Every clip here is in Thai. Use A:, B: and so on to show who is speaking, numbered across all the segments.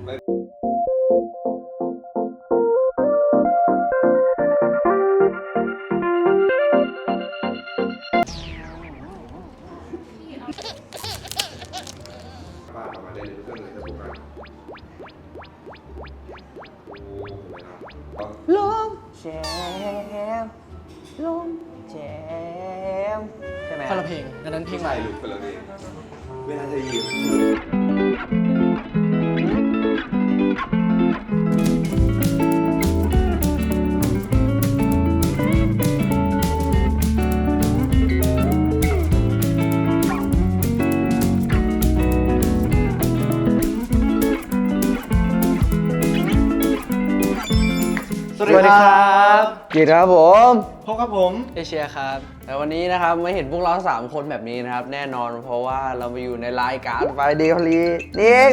A: ป้าทำมาได้เลยเครื่องเลยจะถูกกัน
B: ลมแจมลมแจมใช่ไหม
C: คนละเพลงอันนั้นเพลง
A: ใช่หรือคนละเพลงเวลาจะยืม
B: สวัสดีครับกิตครับผม
C: พบกับผมเอเชียครับ
B: แต่วันนี้นะครับไม่เห็นพวกเรา3คนแบบนี้นะครับแน่นอนเพราะว่าเรามาอยู่ในรายการไฟเดย์ฮอลลีนี่เอง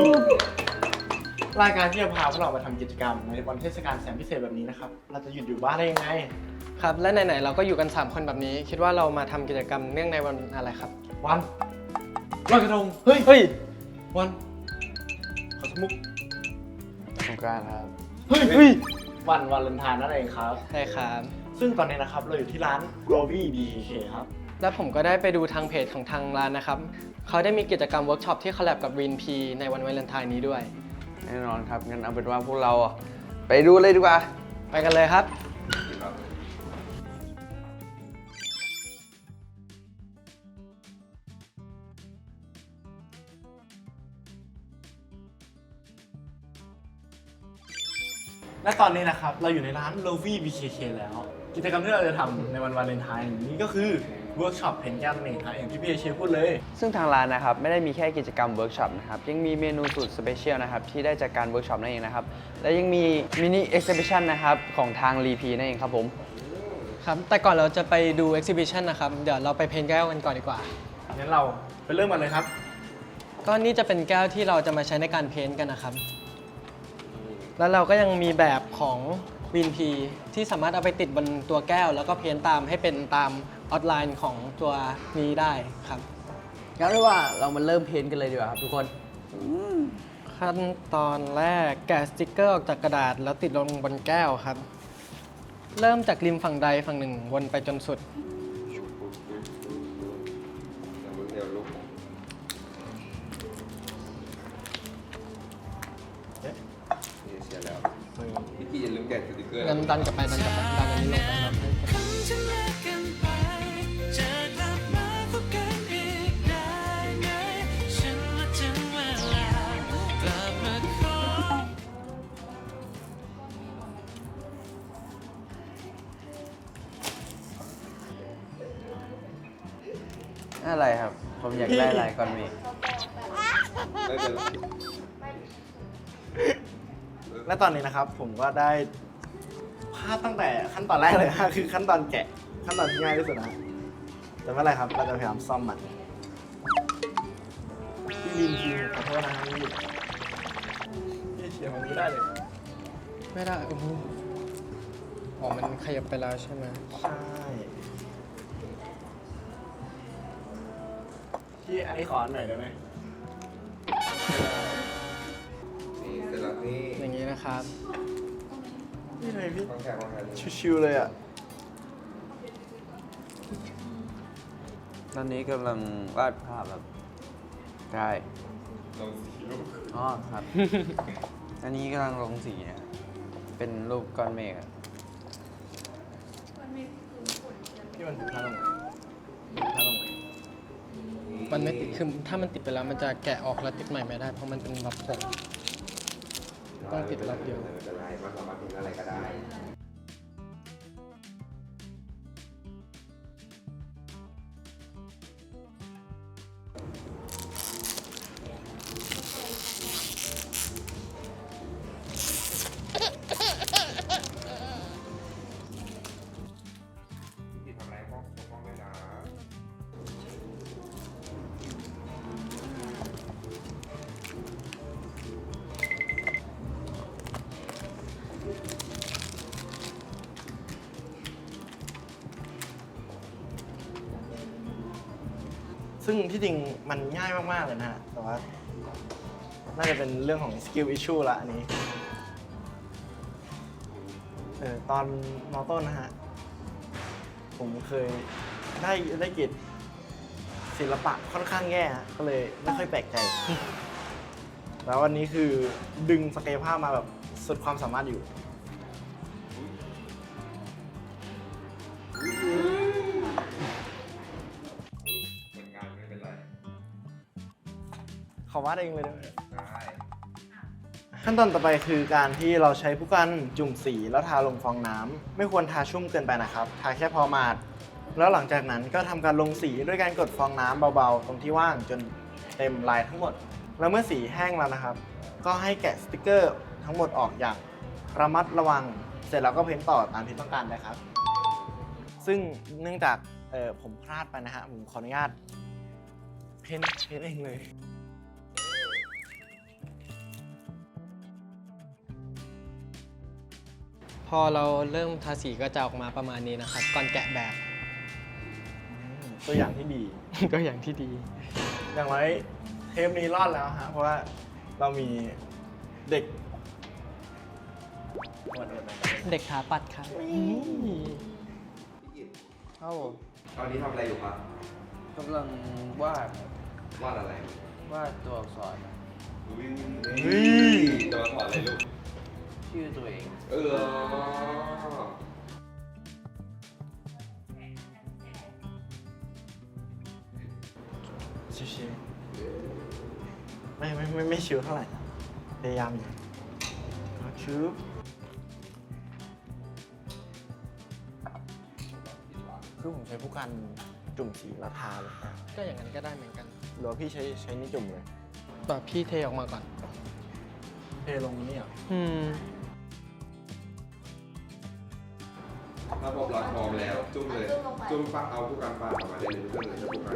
C: รายการที่จะพาพวกเรามาทำกิจกรรมในวันเทศกาลแสนพิเศษแบบนี้นะครับเราจะหยุดอยู่บ้านได้ยังไงครับและไหนๆเราก็อยู่กัน3คนแบบนี้คิดว่าเรามาทำกิจกรรมเนื่องในวันอะไรครับวันลอยกระทงเฮ้ยวันขอสมุก
B: สงกรานต์ครับ
C: เฮ้ยวันวาเลนไทน์นั่นเองครับใช่ครับซึ่งตอนนี้นะครับเราอยู่ที่ร้าน Groovy BKK ครับและผมก็ได้ไปดูทางเพจของทางร้านนะครับเขาได้มีกิจกรรมเวิร์กช็อปที่คอลแลบกับ Green P ในวันวาเลนไทน์นี้ด้วย
B: แน่นอนครับงั้นเอาเป็นว่าพวกเราไปดูเลยดีกว่า
C: ไปกันเลยครับและตอนนี้นะครับเราอยู่ในร้าน Groovy BKK แล้วกิจกรรมที่เราจะทำในวันวาเลนไทน์นี้ก็คือเวิร์กช็อปเพนท์แก้วนั่นเองครับอย่างที่พี่เอเชียพูดเลย
B: ซึ่งทางร้านนะครับไม่ได้มีแค่กิจกรรมเวิร์กช็อปนะครับยังมีเมนูสุดสเปเชียลนะครับที่ได้จากการเวิร์กช็อปนั่นเองนะครับและยังมีมินิเอ็กซิบิชันนะครับของทางรีพีนั่นเองครับผม
C: ครับแต่ก่อนเราจะไปดูเอ็กซิบิชันนะครับเดี๋ยวเราไปเพนท์แก้วกันก่อนดีกว่างั้นเราไปเริ่มกันเลยครับก็นี่จะเป็นแก้วที่เราจะมาใช้ในการเพนท์กันนะครับแล้วเราก็ยังมีแบบของวินพีที่สามารถเอาไปติดบนตัวแก้วแล้วก็เพ้นตามให้เป็นตามออทไลน์ของตัวนี้ได้ครับ
B: งั้นเรียกว่าเรามาเริ่มเพ้นกันเลยดีกว่าครับทุกคน
C: ขั้นตอนแรกแกะสติ๊กเกอร์ออกจากกระดาษแล้วติดลงบนแก้วครับเริ่มจากริมฝั่งใดฝั่งหนึ่งวนไปจนสุด
A: พี่อย่าลืมแกะสติ๊กเกอร์
C: งั้นดันกลับไปดันอันนี้ลงไปครับ
B: อะไรครับผมอยากได้อะไรก่อนมี
C: และตอนนี้นะครับผมก็ได้พลาดตั้งแต่ขั้นตอนแรกเลยคือขั้นตอนแกะขั้นตอนที่ง่ายที่สุดนะแต่ไม่เป็นไรครับเราจะพยายามซ่อมมันพี่วินทีขอโทษนะครับพี่เชียร์มันไม่ได้เลยไม่ได้โอ้โหอ๋อมันขยับไปแล้วใช่ไหมใช่พี่อันนี้ขอหน่อยได้ไหมอย่างนี้นะครับนี่เลยพี่ชิวๆเลยอ่ะ
B: ตอนนี้กำลังวาดภาพแบบใช่ลงสีรูปอ๋อครับ อันนี้กำลังลงสีนะเป็นรูปก้อนเมฆ
C: ที่มันพาลงมันไม่ติดคือถ้ามันติดไปแล้วมันจะแกะออกแล้วติดใหม่ไม่ได้เพราะมันเป็นแบบผงต้องติดรอบเดียว
A: ไม่เป็นไรมันสามารถทำอะไรก็ได้พี่ทำอะไรก็ฟ้องเลยนะ
C: ซึ่งที่จริงมันง่ายมากๆเลยนะฮะแต่ว่า
D: น่าจะเป็นเรื่องของสกิลอิชชูละอันนี้ตอนม.ต้นนะฮะผมเคยได้เกรดศิลปะค่อนข้างแย่ฮะก็เลยไม่ค่อยแปลกใจ แล้ววันนี้คือดึงศักยภาพมาแบบสุดความสามารถอยู่ขอวาดเองเลยได้ไหมขั้นตอนต่อไปคือการที่เราใช้ผู้กันจุ่มสีแล้วทาลงฟองน้ำไม่ควรทาชุ่มเกินไปนะครับทาแค่พอมาดแล้วหลังจากนั้นก็ทำการลงสีด้วยการกดฟองน้ำเบาๆตรงที่ว่างจนเต็มลายทั้งหมดแล้วเมื่อสีแห้งแล้วนะครับก็ให้แกะสติกเกอร์ทั้งหมดออกอย่างระมัดระวังเสร็จแล้วก็เพ้นต่อตามที่ต้องการเลยครับซึ่งเนื่องจากผมพลาดไปนะฮะผมขออนุญาตเพ้นเองเลย
C: พอเราเริ่มทาสีก็จะออกมาประมาณนี้นะครับ ก่อนแกะแบบ
D: ตัวอย่างที่ดี
C: ก็อย่างที่ดี
D: อย่างไรเทปนี้รอดแล้วฮะเพราะว่าเรามีเด็ก
C: เด็กขาปัดครับ
A: พี่กิต
B: ครับผม
A: ตอนนี้ทำอะไรอยู่ครับ
B: กำลังวาด
A: วาดอะไร
B: วาดตัวอักษร
A: จะมาถอดอะไรลูก
B: ชื่อตัวเอง
D: ชิวๆไม่ชิวเท่าไหร่พยายามอยู่ชิวคือผมใช้ผู้กันจุ่มสีแล้วทาเลยนะ
C: ก็อย่างนั้นก็ได้เหมือนกัน
D: หรือว่าพี่ใช้นี่จุ่มเลย
C: แบบพี่เทออกมาก่อน
D: เทลงนี่เหรอ
A: ถ้าพบรักพร้อมแล้ว จุ่มเลย จุ่มปักเอาผู้การปาดออกมาได้เลยเพื่อนเลยจะผู้การ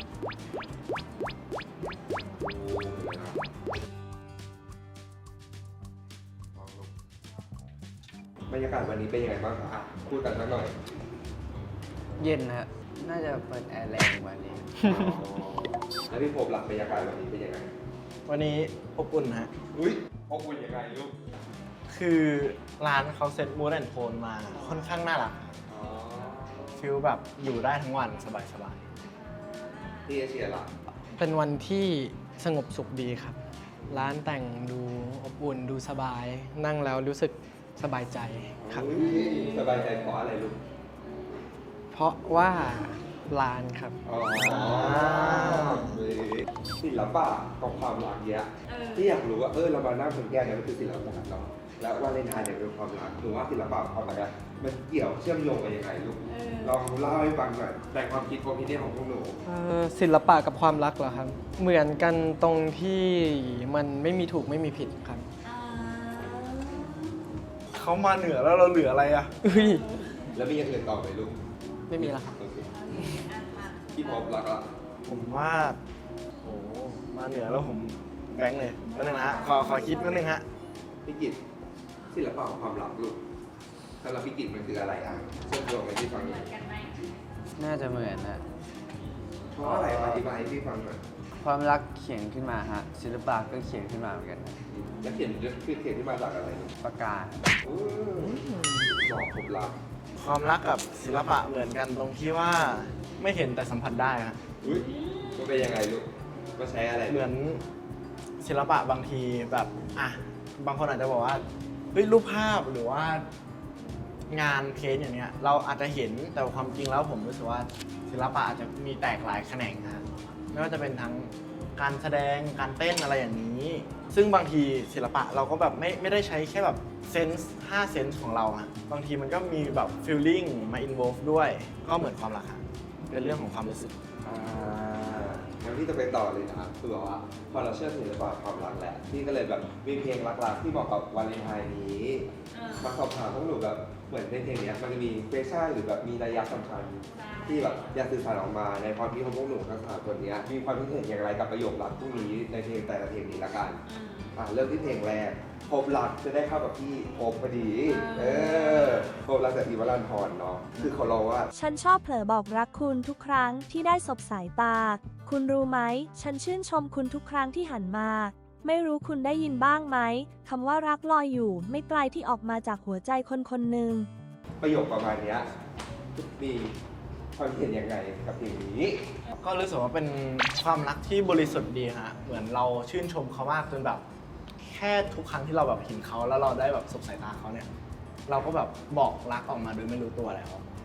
A: บรรยากาศวันนี้เป็นยังไงบ้างครับพูดกันสักหน่อย
B: เย็นฮะ น่าจะเปิดแอร์แรงกว่านี้
A: แล้วพี่พบรักบรรยากาศวันนี้เป็นยังไง
D: วันนี้อบอุ่นฮะ
A: อุ้ยอบอุ่นยังไงลูก
D: คือร้านเขาเซ็ตมูดแอนโทนมาค่อนข้างน่ารักฟิลแบบอยู่ได้ทั้งวันสบาย
A: พี่เอเชียล่ะ
C: เป็นวันที่สงบสุขดีครับ ร้านแต่งดูอบอุ่นดูสบาย นั่งแล้วรู้สึกสบายใจครับ
A: สบายใจเพราะอะไรลูก
C: เพราะว่าร้านครับ
A: อ๋อศิลปะกับความรักเนี้ยที่อยากรู้ว่าเรามานั่งคนแก้เนี่ยมันคือศิลปะเนาะแล้ววาเลนไทน์เนี่ยเป็นความรักหรือว่าศิลปะกับความรักมันเกี่ยวเชื่อมโยงกันยังไงลูกลองเล่าให้ฟังหน่อยแต่ความคิดความคิดของพวกหนู
C: ศิลปะกับความรักเหรอครับ เหมือนกันตรงที่มันไม่มีถูกไม่มีผิดครับ
D: เขามาเหนือแล้วเราเหลืออะไรอ่ะ
C: อุ้ย
A: แล้วมีอย่างอื่นต่อไหมลูก
C: ไม่มีแล้วครับ
A: โอเคพี่พบรักละ
D: ผมว่าโอ้มาเหนือแล้วผมแบงค์เลยแป๊บนึงนะฮะขอคิดแป๊บนึงฮะ
A: พี่กิตศิลปะของความรักลูกสำหรับพี่กิตมันคืออะไรอ่ะเชื่อมโยงกันที่ฟังหน่อย
B: น่าจะเหมือนฮะ
A: เพราะอะไรอธิบายให้พี่ฟังหน่อย
B: ความรักเขียนขึ้นมาฮะ ศิลปะก็เขียนขึ้นมาเหมือนกันฮะ
A: แล้วเขียนที่มาจากอะไรลูก
B: ปากกา
A: บอกผมรัก
D: ความรักกับศิลปะเหมือนกันตรงที่ว่าไม่เห็นแต่สัมผัสได้ฮะ
A: อุ้ยมันเป็นยังไงลูกมาใช้อะไร
D: เหมือนศิลปะบางทีแบบบางคนอาจจะบอกว่าเฮ้ยรูปภาพหรือว่างานเพนท์อย่างเนี้ยเราอาจจะเห็นแต่ความจริงแล้วผมรู้สึกว่าศิลปะอาจจะมีแตกหลายแขนงฮะไม่ว่าจะเป็นทั้งการแสดงการเต้นอะไรอย่างนี้ ซึ่งบางทีศิลปะเราก็แบบไม่ได้ใช้แค่แบบเซนส์5เซนส์ของเราฮะบางทีมันก็มีแบบฟีลลิ่งมาอินโวลฟ์ด้วยก็เหมือนความรักฮะเป็นเรื่องของความรู้สึก
A: งั้นพี่จะไปต่อเลยนะคือแบบว่าพอเราเชื่อศิลปะความรักแหละพี่ก็เลยแบบมีเพลงรักๆที่เหมาะกับวาเลนไทน์นี้มาสอบถามพวกหนูแบบเหมือนในเพลงเนี้ยมันจะมีเฟชั่นหรือแบบมีนัยสำคัญที่แบบอยากสื่อสารออกมาในความคิดของพวกหนูทั้งสามคนเนี้ยมีความคิดเห็นอย่างไรกับประโยครักพวกนี้ในเพลงแต่ละเพลงนี้ละกันเริ่มที่เพลงแรกพบรักจะได้เข้ากับพี่พบพอดีพบรักจากอีวรันทรเนาะคือเขาร้องว่า
E: ฉันชอบเผลอบอกรักคุณทุกครั้งที่ได้สบสายตา คุณรู้ไหม ฉันชื่นชมคุณทุกครั้งที่หันมาไม่รู้คุณได้ยินบ้างไหมคำว่ารักลอยอยู่ไม่ไกลที่ออกมาจากหัวใจคนคนหนึ่ง
A: ประโยคประมาณเนี้ยมีความเห็นยังไงกับเพลงนี้
D: ก็รู้สึกว่าเป็นความรักที่บริสุทธิ์ดีฮะ เหมือนเราชื่นชมเขามากจนแบบ แค่ทุกครั้งที่เราแบบเห็นเขาแล้วเราได้แบบสบสายตาเขาเนี่ย เราก็แบบบอกรักออกมาโดยไม่รู้ตัวแล้ว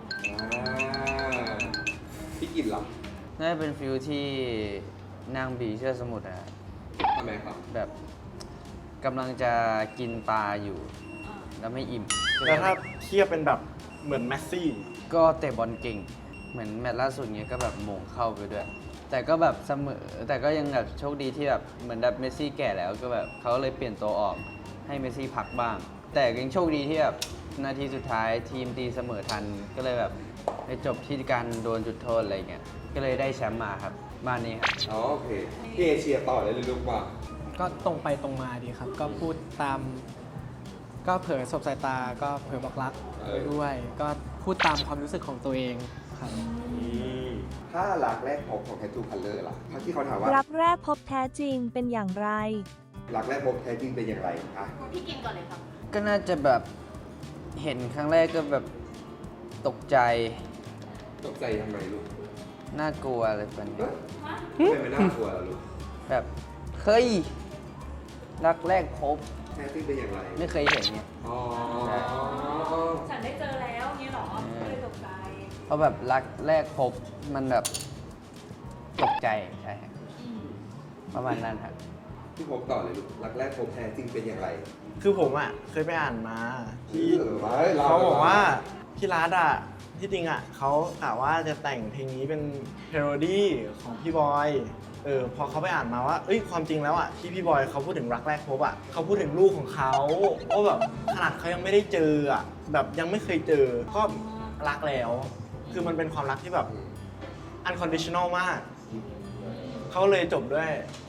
A: พี่กินเหรอ
B: น่าจะเป็นฟิลที่นางบีเชื่อสมุทรอะ
A: ทำไมครับ
B: แบบกำลังจะกินปลาอยู่ แล้วไม่อิ่ม
D: แล้วถ้าเทียบเป็นแบบเหมือนแมสซี่
B: ก็เตะบอลเก่ง เหมือนแมตช์ล่าสุดเนี้ยก็แบบโหม่งเข้าไปด้วย แต่ก็แบบเสมอ แต่ก็ยังแบบโชคดีที่แบบเหมือนแบบเมสซี่แก่แล้วก็แบบเขาเลยเปลี่ยนตัวออกให้เมสซี่พักบ้าง แต่ยังโชคดีที่แบบนาทีสุดท้ายทีมตีเสมอทัน ก็เลยแบบไปจบที่การโดนจุดโทษอะไรเงี้ย ก็เลยได้แชมป์มาครับบ้านนี้ครับ
A: อ๋อโอเคพี่เอเชียต่อเลยลูกว่า
C: ก็ตรงไปตรงมาดีครับ ก็พูดตาม ก็เผยสบสายตาก็เผยบอกรักไปด้วย ก็พูดตามความรู้สึกของตัวเองครับ
A: ถ้ารักแรกพบของแททูคัลเลอร์ล่ะถ้าที่เขาถามว่า
E: รักแรกพบแท้จริงเป็นอย่างไร
A: รักแรกพบแท้จริงเป็นอย่างไรอ่ะ
F: พี่กินก่อนเลยครับ
B: ก็น่าจะแบบเห็นครั้งแรกก็แบบตกใจ
A: ตกใจทำไมลูก
B: น่ากลัวอะไรแบบนี้
A: ทำไมไม่น่ากลัวล่ะลูก
B: แบบเฮ้ยรักแรกพบ
A: แท้จริงเป็นอย่างไร
B: ไม่เคยเห็นเนี่ย
A: อ๋อ
F: ฉันได้เจอแล้วเงี้ยเหรอก็เลยตกใจ
B: เพราะแบบรักแรกพบมันแบบตกใจใช่ครับประมาณนั้นครับ
A: ที่พบต่อเลยลูกรักแรกพบแท้จริงเป็นอย่างไร
D: คือผมอ่ะเคยไปอ่านมาที่
A: ไว้ร
D: เขาบอกว่าพี่รัฐอ่ะที่จริงอ่ะเขากะว่าจะแต่งเพลงนี้เป็นเพโรดี้ของพี่บอยพอเขาไปอ่านมาว่าเอ้ยความจริงแล้วอ่ะที่พี่บอยเขาพูดถึงรักแรกพบอ่ะเขาพูดถึงลูกของเขาว่าแบบขนาดเขายังไม่ได้เจออ่ะแบบยังไม่เคยเจอก็รักแล้ว คือมันเป็นความรักที่แบบ unconditional มากเขาเลยจบด้วย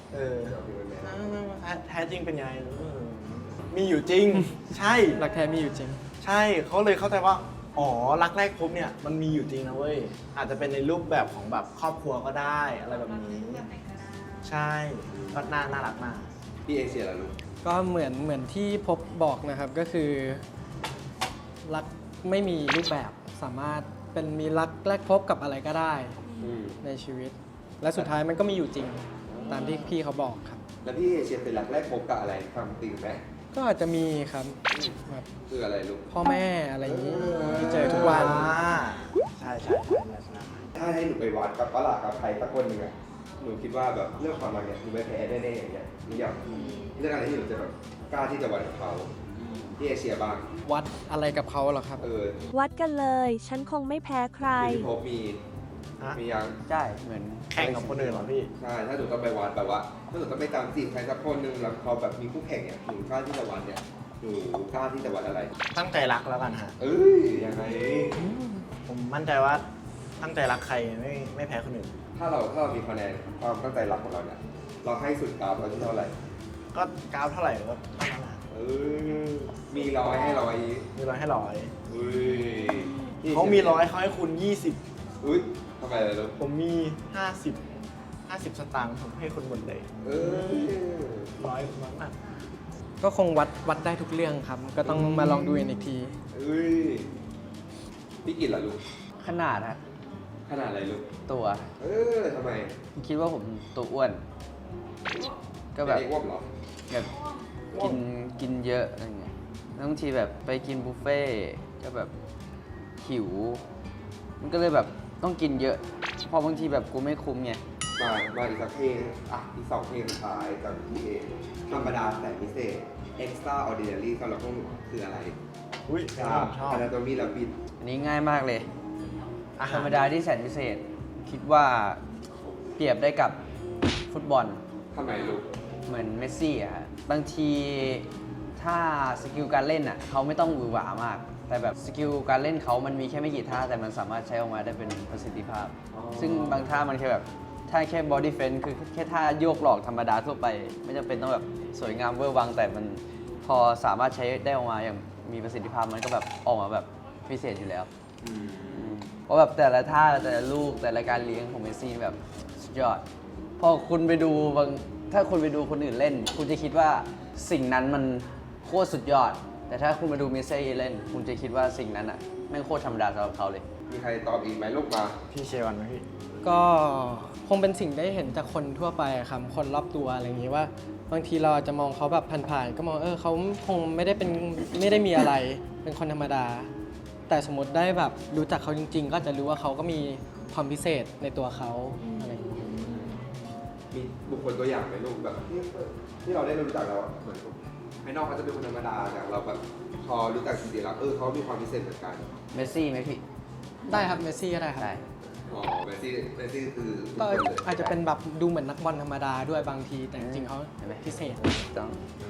D: แท้จริงเป็นยังไงมีอยู่จริง ใช่
C: รักแท้มีอยู่จริง
D: ใช่เขาเลยเข้าใจว่า อ๋อ รักแรกพบเนี่ย มันมีอยู่จริงนะเว้ย อาจจะเป็นในรูปแบบของแบบครอบครัวก็ได้อะไรแบบนี้
F: แบบไหนก็ได้
D: ใช่ก็น่ารักมาก
A: พี่เอเชียล่ะลูก
C: ก็เหมือนที่พบบอกนะครับก็คือ รักไม่มีรูปแบบสามารถเป็นมีรักแรกพบกับอะไรก็ได้ในชีวิต และสุดท้ายมันก็มีอยู่จริงตามที่พี่เขาบอกครับ
A: แล้วพี่เอเชียเป็นรักแรกพบกับอะไรฟังติงไหม
C: ก็อาจจะมีครับแบบ
A: คืออะไรลูก
C: พ่อแม่อะไรอย่างนี้ที่เจอทุกวัน
D: ใช่
A: ถ้าให้หนูไปวัดกับปะหลากับใครสักคนหนึ่งอะหนูคิดว่าแบบเรื่องความรักเนี่ยหนูไม่แพ้แน่ๆอย่างเงี้ยหนูอยากเรื่องอะไรที่หนูจะแบบกล้าที่จะวัดกับเขาพี่เอเชียบ้าง
C: วัดอะไรกับเขาเหรอครับ
E: วัดกันเลย ฉันคงไม่แพ้ใคร
A: พี่พบมี
D: ฮะ
A: มียัง
B: ใช่เหมือน
D: แข่งกับคนอื่นเหรอพี่
A: ใช่ ถ้าหนูต้องไปวัดแบบว่า ถ้าหนูต้องไปตามจีบใครสักคนหนึ่งแล้วเขาแบบมีคู่แข่งเนี่ย หนูกล้าที่จะวัดเนี่ย หนูกล้าที่จะวัดอะไร
D: ตั้งใจรักแล้วกันฮะ
A: เอ้ย ยังไง
D: ผมมั่นใจว่าตั้งใจรักใครไม่แพ้คนอื่น
A: ถ้าเรามีคะแนนความตั้งใจรักของเราเนี่ย เราให้สุดกราฟเราที่เท่าไหร่
D: ก็กราฟเท่าไหร่ก็เท่านั้นนะ
A: เออ มีร้อยให้ร้อย
D: มีร้อยให้ร้อย
A: อุ้ย
D: เขามีร้อยเขาให้คุณ 20
A: อุ้ยทำไมล่ะลูก
D: ผมมี 50 สตางค์ผมให้คุณหมดเลย
A: เออ
D: ร้อยมาก
C: ก็คงวัดได้ทุกเรื่องครับ ก็ต้องมาลองดูกันอีกที
A: เอ้ย พี่กินล่ะลูก
B: ขนาดฮะ
A: ขนาดอะไรลูก
B: ตัว
A: เออทำไม
B: คิดว่าผมตัวอ้วน ก็แบบ
A: เป็นไอ้อ้วมเหรอ
B: แบบกินเยอะอะไรเงี้ยแล้วบางทีแบบไปกินบุฟเฟ่ต์ก็แบบหิว มันก็เลยแบบต้องกินเยอะ พอบางทีแบบกูไม่คุ้มไง
A: มาอีกสักเพลงอ่ะอีก2เพลงสุดท้ายจากพี่เอธรรมดาแต่พิเศษ extraordinary สำหรับพวกหนูคืออะไร
D: ๆอุ้ย
A: ชอบ
D: ชอบ
A: anatomy และบิน
B: อันนี้ง่ายมากเลย
D: อา
B: ธ
D: หาร
B: รมดาที่แสนพิเศษ คิดว่าเปรียบได้กับฟุตบอล
A: ทำไมลูก
B: เหมือนเมสซี่อะฮะบางทีถ้าสกิลการเล่นอ่ะเขาไม่ต้องหวือหวามาก แต่แบบสกิลการเล่นเขามันมีแค่ไม่กี่ท่า แต่มันสามารถใช้ออกมาได้เป็นประสิทธิภาพ ซึ่งบางท่ามันแค่แบบท่าแค่บอดี้เฟนคือแค่ท่าโยกหลอกธรรมดาทั่วไป ไม่จำเป็นต้องแบบสวยงามเวอร์วัง แต่มันพอสามารถใช้ได้ออกมาอย่างมีประสิทธิภาพมันก็แบบออกมาแบบพิเศษอยู่แล้ว เพราะแบบแต่ละท่าแต่ละลูกแต่ละการเลี้ยงของเมสซี่แบบสุดยอด พอคุณไปดูบางถ้าคุณไปดูคนอื่นเล่น คุณจะคิดว่าสิ่งนั้นมันโคตรสุดยอด แต่ถ้าคุณมาดูเมสซี่เล่น คุณจะคิดว่าสิ่งนั้นอ่ะแม่งโคตรธรรมดาสำหรับเขาเลย
A: มีใครตอบอีกไหมลูกมา
D: พี่เชวันไหมพี่
C: ก็คงเป็นสิ่งได้เห็นจากคนทั่วไปอะครับคนรอบตัวอะไรอย่างนี้ว่า บางทีเราอาจจะมองเขาแบบผ่านๆก็มองเขาคงไม่ได้มีอะไรเป็นคนธรรมดา แต่สมมติได้แบบรู้จักเขาจริง ๆ ก็จะรู้ว่าเขาก็มีความพิเศษในตัวเขาอะไรอย่างนี้
A: มีบุคคลตัวอย่างไหมลูกแบบที่เราได้รู้จักแล้วอะเหมือนภายนอกเขาจะเป็นคนธรรมดาแต่เราแบบพอรู้จักจริงๆแล้วเขามีความพิเศษเหมือนกัน
B: เมสซี่ไหมพี่
C: ได้ครับเมสซี่ก็ได้ครับ
B: ได้
A: อ๋อเมสซี่คือ
C: ก็
A: บุคคลเลย
C: อาจจะเป็นแบบดูเหมือนนักบอลธรรมดาด้วยบางทีแต่จริงๆเขา
B: เห็นไหม
C: พิเศษ
B: ต้อง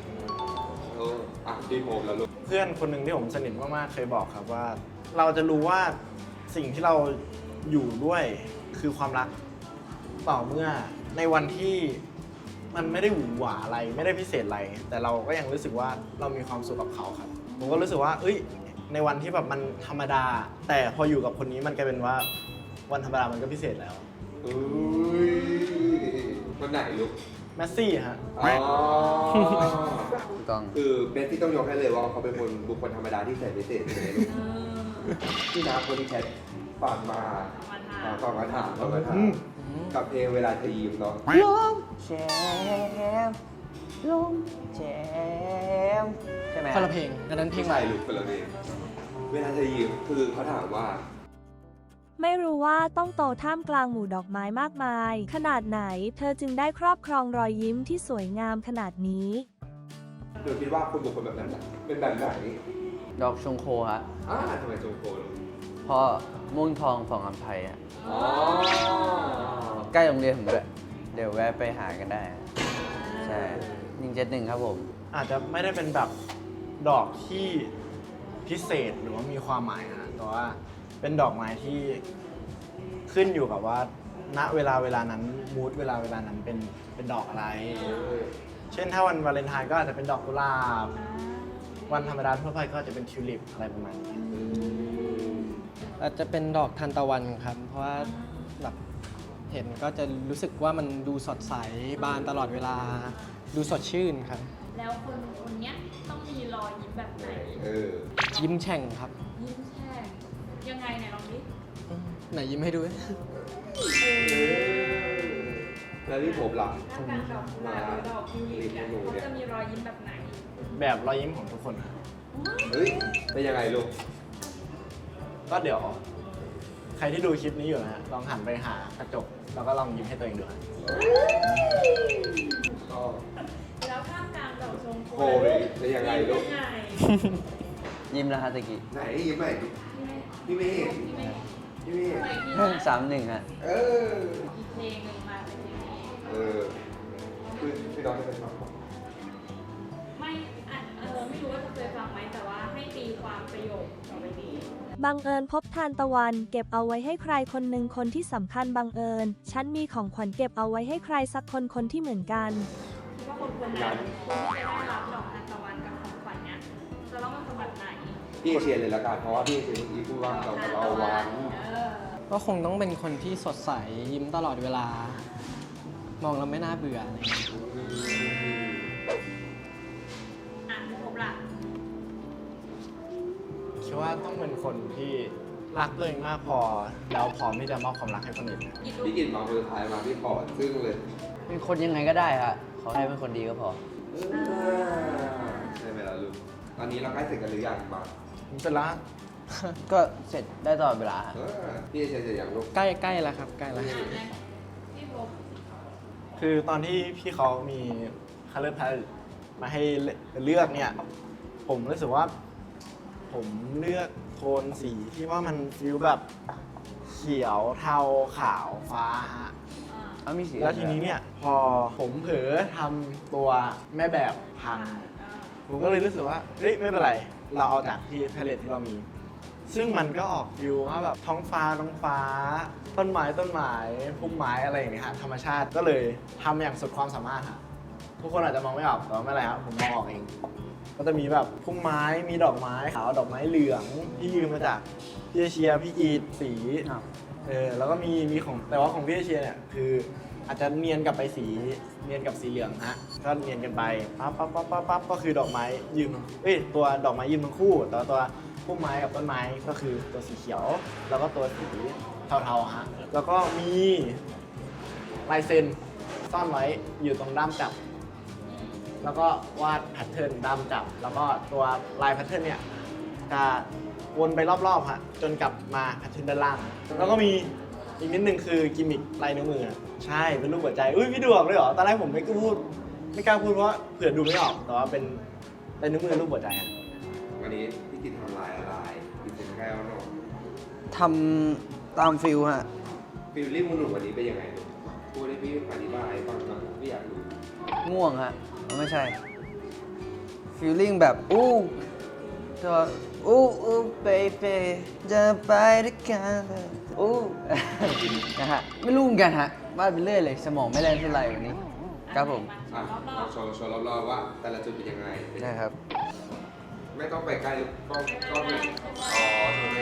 A: ดีโฮมแล้วลูก
D: เพื่อนคนหนึ่งที่ผมสนิทมากๆเคยบอกครับว่า เราจะรู้ว่าสิ่งที่เราอยู่ด้วยคือความรักต่อเมื่อในวันที่มันไม่ได้หวือหวาอะไรไม่ได้พิเศษอะไร แต่เราก็ยังรู้สึกว่าเรามีความสุขกับเขาครับ ผมก็รู้สึกว่าในวันที่แบบมันธรรมดา แต่พออยู่กับคนนี้มันกลายเป็นว่าวันธรรมดามันก็พิเศษแล้ว
A: อุ้ยคนไหนลูก
D: แมสซี่ฮะ
A: อ๋อ
B: ต้อง
A: คือเมสซี่ต้องยกให้เลยว่าเขาเป็นคนบุคคลธรรมดาที่แสนพิเศษเลยลูก
F: เออ
A: ที่นาคนที่แคทฝากมา
F: เอามาถาม
A: ฝากมาถามกับเพลงเวลาเธอยิ้มเนาะ
B: ลมแชมลมแชมใช่ไหม
C: คนละเพลงอันนั้นเพลงใหม่
A: ลูกคนละเพลงเวลาเธอยิ้มคือเขาถามว่า
E: ไม่รู้ว่าต้องโตท่ามกลางหมู่ดอกไม้มากมาย ขนาดไหน เธอจึงได้ครอบครองรอยยิ้มที่สวยงามขนาดนี้
A: เดี๋ยวคิดว่าคนบุคคลแบบนั้นน่ะเป็นแบบไหน
B: ดอกชงโคฮะ
A: ทำไมจงโกลูก
B: เพราะม่วงทองฝั่งอัมภัยอ่ะ
A: อ๋อ
B: ใกล้โรงเรียนผมด้วยเดี๋ยวแวะไปหากันได้ ใช่171ครับผม
D: อาจจะไม่ได้เป็นแบบดอกที่พิเศษหรือว่ามีความหมายนะแต่ว่าเป็นดอกไม้ที่ขึ้นอยู่กับว่าณเวลานั้นมูดเวลานั้นเป็นดอกอะไร เช่นถ้าวันวาเลนไทน์ก็อาจจะเป็นดอกกุหลาบ วันธรรมดาทั่วไปก็อาจจะเป็นทิวลิปอะไรประมาณนี้
C: อาจจะเป็นดอกทานตะวันครับ เพราะว่าแบบเห็นก็จะรู้สึกว่ามันดูสดใสบานตลอดเวลา ดูสดชื่นครับ
F: แล้วคนเนี้ยต้องมีรอยยิ้มแบบไหน
C: ยิ้มแฉ่งครับ
F: ยิ้มแช่งยังไงเนี่ยลองดิ
C: ไหนยิ้มให้ดู
A: แล้วที่ผมล่ะ
F: ถ้าการดอกกุหลาบหรือดอกทิวลิปเนี่ยเขาจะมีรอยยิ้มแบบไหน
D: แบบรอยยิ้มของทุกคนนะ
A: เฮ้ยเป็นยังไงลูก
D: ก็เดี๋ยว ใครที่ดูคลิปนี้อยู่นะฮะลองหันไปหากระจก แล้วก็ลองยิ้มให้ตัวเองดูฮะ
A: ก็
F: แล้วท่ามกลางดอกชมพู
A: โอ้ยเป็นยังไงลูก
F: ยังไง
B: ยิ้มแล้วฮะตะกี้
A: ไหนยิ้มไหนพี่เมฆพี่เมฆ
F: ทำไมพี่นะ
B: 31ฮะ
A: เออ
F: อีกเพลงหนึ่งมาเป็นเพลงนี้
A: คือพี่น้องจะเป็นฟัง
F: ไม่ไม่รู้ว่าจะเคยฟังไหมแต่ว่าให้ตีความประโยคต่อไปนี้
E: บังเอิญพบทานตะวัน เก็บเอาไว้ให้ใครคนหนึ่งคนที่สำคัญบังเอิญ ฉันมีของขวัญเก็บเอาไว้ให้ใครสักคนคนที่เหมือนกัน
F: คิดว่าคนนั้นคนที่จะได้รับดอกทานตะวันกับของขวัญเนี้ยจะต้องเป็นสมบัติไหน
A: พี่เชียร์เลยละกันเพราะว่าพี่เชียร์เมื่อกี้พูดว่าเราวัน
C: ก็คงต้องเป็นคนที่สดใสยิ้มตลอดเวลา มองแล้วไม่น่าเบื่ออะไรอย่างเงี้ย
F: อ่านไม่ครบละ
D: คิดว่าต้องเป็นคนที่รักตัวเองมากพอ แล้วพร้อมที่จะมอบความรักให้คนอื่น
A: พี่กินมาคนสุดท้ายมาพี่ขอซึ่งเลย
B: เป็นคนยังไงก็ได้ฮะขอให้เป็นคนดีก็พอ
A: ใช่ไหมล่ะลูกตอนนี้เราใกล้เสร็จกันหรือยังมา
D: ผมเสร็จแล้ว
B: ก็เสร็จได้ตลอดเวลาฮะ
A: พี่เชียร์เสร็จอย่างลูก
C: ใกล้แล้วครับใกล้แล้ว
F: พี่พบ
D: คือตอนที่พี่เขามีคัลเลอร์พาเลตมาให้เลือกเนี่ย ผมรู้สึกว่า ผมเลือกโทนสีที่ว่ามันฟิลแบบเขียวเทาขาวฟ้าฮะ
B: เอามีสี
D: แล้วทีนี้เนี่ย พอผมเผลอทำตัวแม่แบบพัง ผมก็เลยรู้สึกว่าเฮ้ยไม่เป็นไร เราเอาจากที่พาเลตที่เรามี ซึ่งมันก็ออกฟิวว่าแบบท้องฟ้าต้นไม้พุ่มไม้อะไรอย่างเงี้ยฮะธรรมชาติก็เลยทำอย่างสุดความสามารถฮะทุกคนอาจจะมองไม่ออกแต่ว่าไม่เป็นไรครับผมมองออกเอง ก็จะมีแบบพุ่มไม้มีดอกไม้ขาวดอกไม้เหลืองที่ยืมมาจากพี่เอเชียพี่อีทสีแล้วก็มีของแต่ว่าของพี่เอเชียเนี่ยคืออาจจะเนียนกับไปสีเนียนกับสีเหลืองฮะก็เนียนกันไปปั๊บก็คือดอกไม้ยืมตัวดอกไม้ยืมทั้งคู่แต่ว่าตัวพุ่มไม้กับต้นไม้ก็คือตัวสีเขียว แล้วก็ตัวสีเทาๆฮะแล้วก็มีลายเซ็นซ่อนไว้อยู่ตรงด้ามจับ แล้วก็วาดแพทเทิร์นด้ามจับ แล้วก็ตัวลายแพทเทิร์นเนี่ยจะวนไปรอบๆฮะจนกลับมาแพทเทิร์นด้านล่าง แล้วก็มีอีกนิดนึงคือกิมมิคลายนิ้วมืออะใช่เป็นรูปหัวใจอุ้ยพี่ดูออกเลยเหรอตอนแรกผมไม่กล้าพูดเพราะเผื่อดูไม่ออกแต่ว่าเป็นลายนิ้วมือรูปหัวใจอะ
A: วันนี้พี่กินทำลายอะไรกินเป็นแก้วเนาะ
B: ทำตามฟิลฮะ
A: ฟิลลิ่งของหนูวันนี้เป็นยังไงลูกพูดให้พี่อธิบายฟังหน่อยพี่อยากรู้
B: ง่วงฮะไม่ใช่ฟีลลิ่งแบบอู้ตัวอู้เบบีจะไปด้วยกันเลยอู้ นะฮะไม่รู้เหมือนกันฮะวาดไปเรื่อยเลยสมองไม่แล่นเท่าไหร่วันนี้ครับผม
A: อ่ะเอาโชว์รอบๆว่าแต่ละจุดเป็นยังไง
B: นะครับ
A: ไม่ต้องไปใกล้ก็เป็นอ๋อโชว์เลย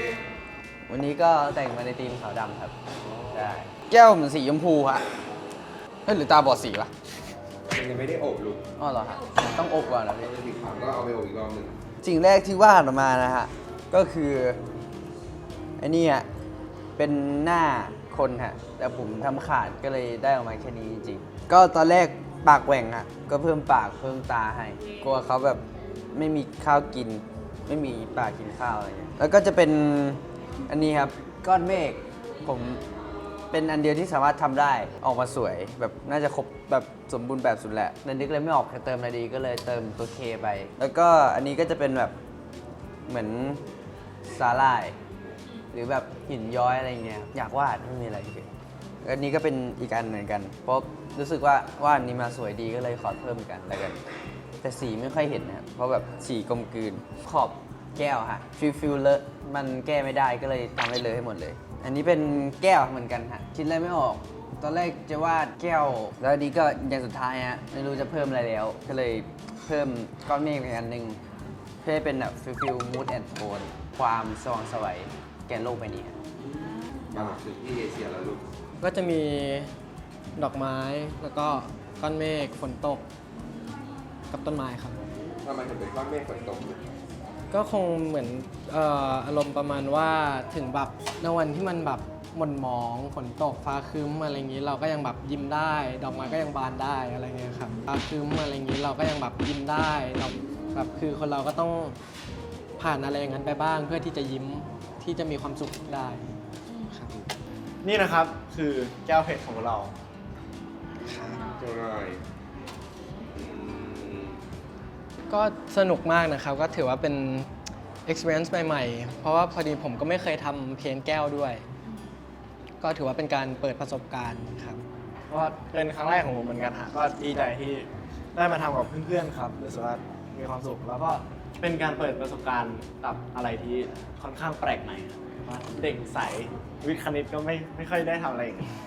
B: วันนี้ก็แต่งมาในธีมขาวดำครับใช่แก้วเหมือนสีชมพูฮะเอ้ยหรือตาบอดสีวะ
A: มันยังไม่ได้อบลูก
B: อ๋อเหรอฮะต้องอบก่อนเหรอ
A: เรา
B: พี่
A: จะติดขาวก็เอาไปอบอีกรอบหนึ่ง
B: สิ่งแรกที่วาดออกมานะฮะ ก็คือไอ้นี่ฮะเป็นหน้าคนฮะ แต่ผมทำขาดก็เลยได้ออกมาแค่นี้จริงๆก็ตอนแรกปากแหว่งฮะ ก็เพิ่มปากเพิ่มตาให้ กลัวเขาแบบไม่มีข้าวกิน ไม่มีปากกินข้าวอะไรเงี้ยแล้วก็จะเป็นอันนี้ครับก้อนเมฆผมเป็นอันเดียวที่สามารถทำได้ออกมาสวยแบบน่าจะครบแบบสมบูรณ์แบบสุดแหละแต่นึกเลยไม่ออกจะเติมอะไรดีก็เลยเติมตัวเคไป แล้วก็อันนี้ก็จะเป็นแบบเหมือนสาหร่าย หรือแบบหินย้อยอะไรเงี้ยอยากวาดไม่มีอะไรเฉยอันนี้ก็เป็นอีกอันเหมือนกัน เพราะรู้สึกว่าวาดนี้มาสวยดีก็เลยขอเพิ่มอีกอันแล้วกัน แต่สีไม่ค่อยเห็นนะครับเพราะแบบสีกลมกลืนขอบแก้วฮะฟิลเลอะมันแก้ไม่ได้ก็เลยทำให้เลอะให้หมดเลย อันนี้เป็นแก้วเหมือนกันฮะคิดอะไรไม่ออก ตอนแรกจะวาดแก้ว แล้วอันนี้ก็อย่างสุดท้ายฮะไม่รู้จะเพิ่มอะไรแล้ว ก็เลยเพิ่มก้อนเมฆอีกอันหนึ่งเพื่อให้เป็นแบบฟิลมูดแอนด์โทนความสว่างไสวยแก่โลกใบนี้ฮะ
A: มาถึงที่เอเชียแล้วลูก
C: ก็จะมีดอกไม้แล้วก็ก้อนเมฆฝนตกกับต้นไม้ครับ
A: ทำไมถึงเป็นก้อนเมฆฝนตกลูก
C: ก็คงเหมือนอารมณ์ประมาณว่าถึงแบบในวันที่มันแบบหม่นหมองฝนตกฟ้าครึ้มอะไรอย่างนี้ เราก็ยังแบบยิ้มได้ ดอกไม้ก็ยังบานได้อะไรเงี้ยครับฟ้าครึ้มอะไรอย่างนี้เราก็ยังแบบยิ้มได้เราแบบคือคนเราก็ต้องผ่านอะไรอย่างนั้นไปบ้าง เพื่อที่จะยิ้มที่จะมีความสุขได้ครับ
D: นี่นะครับคือแก้วเพชรของเรา
A: โชว์หน่อยอืม
C: ก็สนุกมากนะครับ ก็ถือว่าเป็น experience ใหม่ๆ เพราะว่าพอดีผมก็ไม่เคยทำเพ้นท์แก้วด้วย ก็ถือว่าเป็นการเปิดประสบการณ์ครับ
D: ก็เป็นครั้งแรกของผมเหมือนกันฮะก็ดีใจที่ได้มาทำกับเพื่อนๆครับรู้สึกว่ามีความสุขแล้วก็เป็นการเปิดประสบการณ์กับอะไรที่ค่อนข้างแปลกใหม่ครับว่าเด็กใสวิทย์คณิตก็ไม่ค่อยได้ทำอะไรอย่างนี้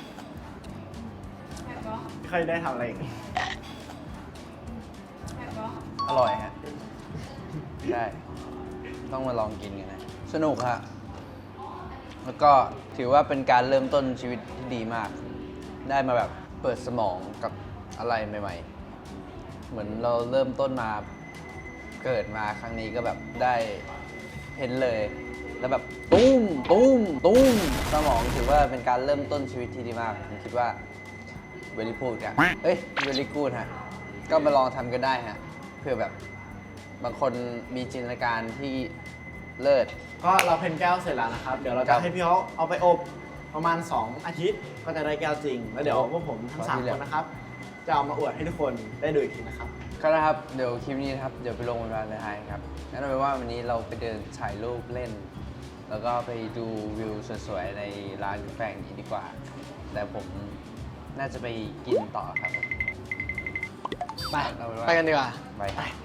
D: ไม่ค่อยได้ทำอะไรอย่างนี้
B: อร่อยฮะใช่ต้องมาลองกินกันนะสนุกฮะแล้วก็ถือว่าเป็นการเริ่มต้นชีวิตที่ดีมาก ได้มาแบบเปิดสมองกับอะไรใหม่ๆ เหมือนเราเริ่มต้นมาเกิดมาครั้งนี้ก็แบบได้เห็นเลย แล้วแบบตุ้มสมองถือว่าเป็นการเริ่มต้นชีวิตที่ดีมากผมคิดว่าเวลิพูดอะเอ้ยเวลิกูดฮะก็มาลองทำกันได้ฮะเพื่อแบบบางคนมีจินตนาการที่เลิศ
D: ก็เราเพ้นแก้วเสร็จแล้วนะครับ เดี๋ยวเรา
B: ครั
D: จะ
B: บ
D: ให้พี่เขาเอาไปอบประมาณ 2 อาทิตย์ ก็จะได้แก้วจริง แล้วเดี๋ยวพวกผมทั้ง
B: ขอที่
D: 3
B: เหลื
D: ค
B: อ
D: นนะครับ จะเอามาอวดให้ทุกคนได้ดูอีกทีนะครับ
B: ก็นะครับ เดี๋ยวคลิปนี้นะครับ เดี๋ยวไปลงบนวาเลนไทน์ครับงั้นเอาเป็นว่าวันนี้เราไปเดินถ่ายรูปเล่น แล้วก็ไปดูวิวสวยๆในร้านกาแฟนี้ดีกว่า แต่ผมน่าจะไปกินต่อครับผม
C: ไป
B: เอาเป็นว่า
C: ไปกันดีกว่า
B: ไป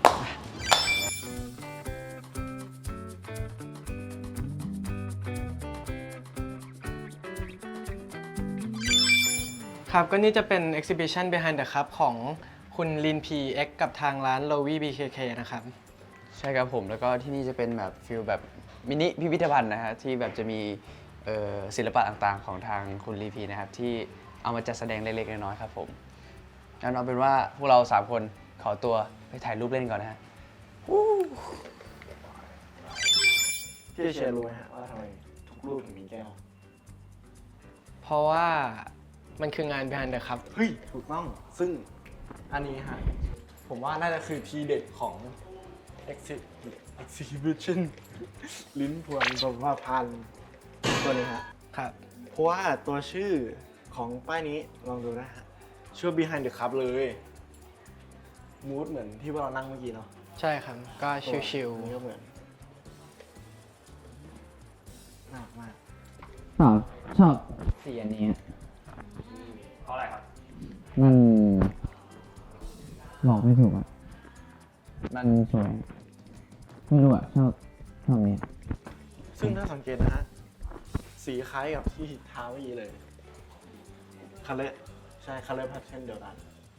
C: ครับ ก็นี่จะเป็น exhibition behind the cup ของคุณลิน PX กับทางร้าน Lowy BKK นะครับ
B: ใช่ครับผมแล้วก็ที่นี่จะเป็นแบบฟิลแบบมินิพิพิธภัณฑ์นะฮะที่แบบจะมีศิลปะต่างๆของทางคุณลีพีนะครับที่เอามาจัดแสดงเล็กๆน้อยๆครับผมงั้นเอาเป็นว่าพวกเรา3คนขอตัวไปถ่ายรูปเล่นก่อนนะฮะ
D: พี่เชียร์รู้ไหมฮะว่าทำไมทุกรูปถึงมีแก้ว
C: เพราะว่ามันคืองาน behind the cup
D: เฮ้ย ถูกต้อง ซึ่งอันนี้ฮะ ผมว่าน่าจะคือทีเด็ดของ exhibition ลิ้นพวงบำว่าพันตัวนี้ฮะ
C: ครับ
D: เพราะว่าตัวชื่อของป้ายนี้ลองดูนะฮะ ชื่อ behind the cup เลยมูดเหมือนที่เรานั่งเมื่อกี้เนาะ
C: ใช่ครับ ก็ชิว
D: อันนี้ก็เหมือนน่ารักมาก
G: ชอบสีอันนี้เพราะอะไรครับ มันบอกไม่ถูกอ่ะ มันสวย ไม่รู้อ่ะ ชอบนี้
D: ซึ่งถ้าสังเกตนะฮะ สีคล้ายกับที่เท้าเมื่อกี้เลยคัลเลอร์ใช่คัลเลอร์แพทเทิร์นเดียวกัน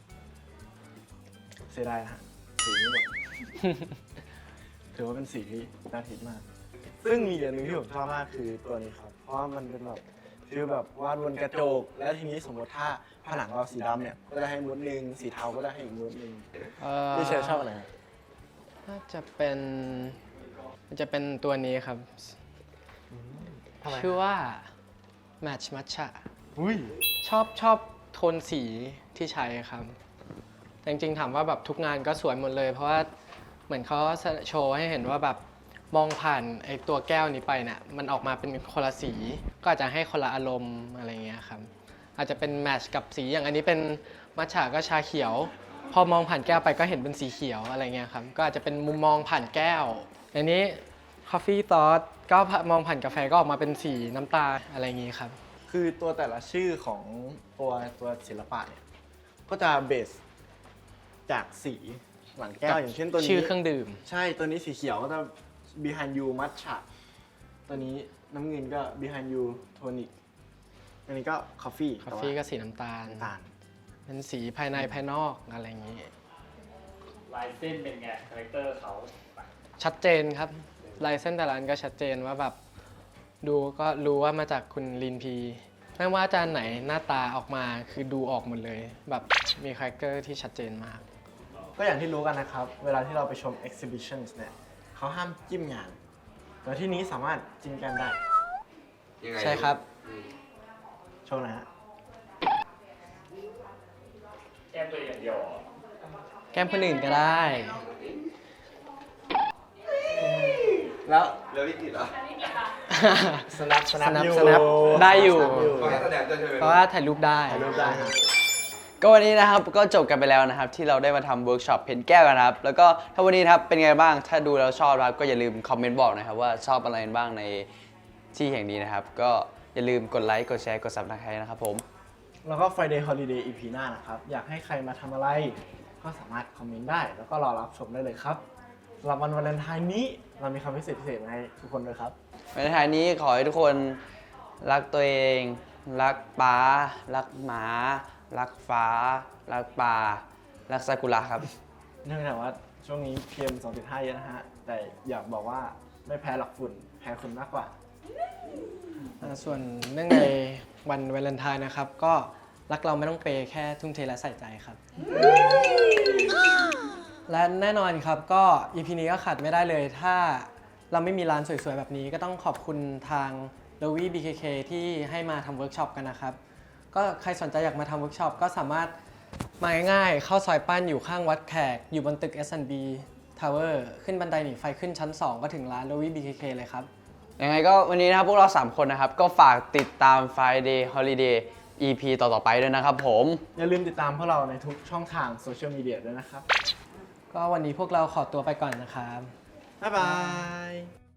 D: เสียดายนะฮะ สีไม่หมด ถือว่าเป็นสีที่น่าทิดมาก ซึ่งมีอย่างหนึ่งที่ผมชอบมากคือตัวนี้ครับ เพราะว่ามันเป็นแบบฟีลแบบวาดบนกระจก แล้วทีนี้สมมติถ้าผนังเราสีดำเนี่ย ก็จะให้มูดหนึ่งสีเทาก็ได้ให้อีกมูดหนึ่ง
C: ๆ
D: พี่เชียร์ชอบอะไรฮะ
C: น่าจะเป็นมันจะเป็นตัวนี้ครับ
D: ทำไม
C: ชื่อว่า match matcha
D: อุ้ย
C: ชอบโทนสีที่ใช้ครับแต่จริงๆถามว่าแบบทุกงานก็สวยหมดเลย เพราะว่าเหมือนเขาโชว์ให้เห็นว่าแบบมองผ่านไอ้ตัวแก้วนี้ไปเนี่ยมันออกมาเป็นคนละสี ก็อาจจะให้คนละอารมณ์อะไรเงี้ยครับอาจจะเป็นแมทช์กับสีอย่างอันนี้เป็นมัทฉะก็ชาเขียว พอมองผ่านแก้วไปก็เห็นเป็นสีเขียวอะไรเงี้ยครับก็อาจจะเป็นมุมมองผ่านแก้วอันนี้ coffee thought ก็มองผ่านกาแฟก็ออกมาเป็นสีน้ำตาลอะไรอย่างงี้ครับ
D: คือตัวแต่ละชื่อของตัวศิลปะเนี่ย ก็จะเบสจากสีหลังแก้วอย่างเช่นตัวนี้
C: ชื่อเครื่องดื่ม
D: ใช่ตัวนี้สีเขียวก็จะ behind you matcha ตัวนี้น้ำเงินก็ behind you tonic อันนี้ก็ coffee
C: กาแฟก็สีน้ำตาล
D: น้ำตาล
C: เป็นสีภายในภายนอกอะไรอย่างนี้
G: ลายเส้นเป็นไง คาแรคเตอร์เขา
C: ชัดเจนครับลายเส้นแต่ละอันก็ชัดเจนว่าแบบดูก็รู้ว่ามาจากคุณลินพีไม่ว่าอาจารย์ไหนหน้าตาออกมาคือดูออกหมดเลย แบบมีคาแรคเตอร์ที่ชัดเจนมาก
D: ก็อย่างที่รู้กันนะครับ เวลาที่เราไปชม exhibitions เนี่ยเขาห้ามจิ้มงานแต่ที่นี้สามารถจิ้มกันได้
A: ยังไง
C: ใช่ครับ
D: โชว์หนะฮะ
G: แก้มตัวอย่างเดียวเหรอ
C: แก้มคนอื่นก็ได้
D: แล้ว
A: แล้ววิกิตเหรอ
D: สนับ
C: snap ได้อยู่
A: เพราะแสดงด้วยใช่ไหม
C: เพราะว่าถ่ายรูปได้
D: ถ่ายรูปได้ฮะ
B: ก็วันนี้นะครับก็จบกันไปแล้วนะครับที่เราได้มาทำเวิร์กช็อปเพ้นแก้วกันนะครับแล้วก็ถ้าวันนี้นะครับเป็นไงบ้างถ้าดูแล้วชอบนะครับก็อย่าลืมคอมเมนต์บอกนะครับว่าชอบอะไรบ้างในที่แห่งนี้นะครับก็อย่าลืมกดไลค์กดแชร์กด Subscribe นะครับผม
D: แล้วก็ Friday Holiday EP หน้านะครับ อยากให้ใครมาทำอะไร ก็สามารถคอมเมนต์ได้ แล้วก็รอรับชมได้เลยครับสำหรับวันวาเลนไทน์นี้เรามีคำพิเศษมาให้ทุกคนด้วยครับ
B: ในท้ายนี้ขอให้ทุกคนรักตัวเอง รักป้า รักหมา รักฟ้า รักป่า รักซากุระครับ
D: เนื่องจากว่าช่วงนี้ PM 2.5 เยอะนะฮะ แต่อยากบอกว่าไม่แพ้หรอกฝุ่น แพ้คุณมากกว่า
C: ส่วนเนื่องในวันวาเลนไทน์นะครับ ก็รักเราไม่ต้องเปย์แค่ทุ่มเทและใส่ใจครับ และแน่นอนครับก็ EP นี้ก็ขาดไม่ได้เลย ถ้าเราไม่มีร้านสวยๆ แบบนี้ก็ต้องขอบคุณทาง l o w y BKK ที่ให้มาทำเวิร์กช็อปกันนะครับ ก็ใครสนใจอยากมาทำเวิร์กช็อปก็สามารถมาง่ายๆเข้าซอยปั้นอยู่ข้างวัดแขก อยู่บนตึก S&B Tower ขึ้นบันไดหนีไฟขึ้นชั้น 2 ก็ถึงร้าน l o w y BKK เลยครับ
B: ยังไงก็วันนี้นะครับพวกเรา 3 คนนะครับก็ฝากติดตาม Friday Holiday EP ต่อๆไปด้วยนะครับผม
D: อย่าลืมติดตามพวกเราในทุกช่องทางโซเชียลมีเดียด้วยนะครับ
C: ก็วันนี้พวกเราขอตัวไปก่อนนะครับ
D: บ๊ายบาย